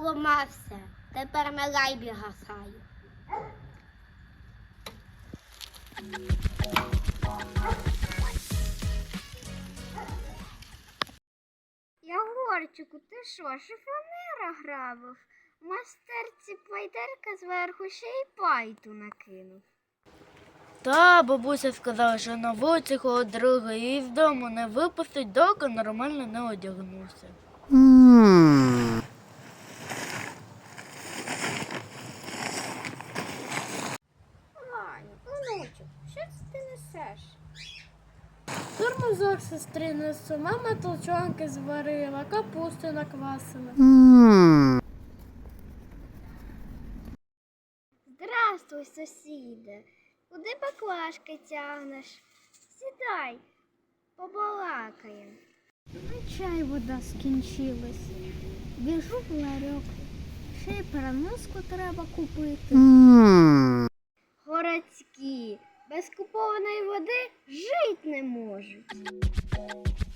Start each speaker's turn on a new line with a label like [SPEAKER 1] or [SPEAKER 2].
[SPEAKER 1] поламався. Тепер на лайбі гасаю. Ягорчику, ти що, шифонера грабив? Мастерці пайдерка зверху ще й пайту накинув.
[SPEAKER 2] Та бабуся сказала, що на вулиці коло дороги її з дому не випустить, доки нормально не одягнувся.
[SPEAKER 1] Ваню, онучок, що це ти несеш?
[SPEAKER 3] Тормозок сестри несу, мама толчонки зварила, капусту наквасила.
[SPEAKER 1] Здравствуй, сусіде. Куди баклажки тягнеш? Сідай, побалакаємо.
[SPEAKER 3] А чай вода скінчилась. Біжу в ларьок. Ще й переноску треба купити.
[SPEAKER 1] Городські, без купованої води жить не можуть.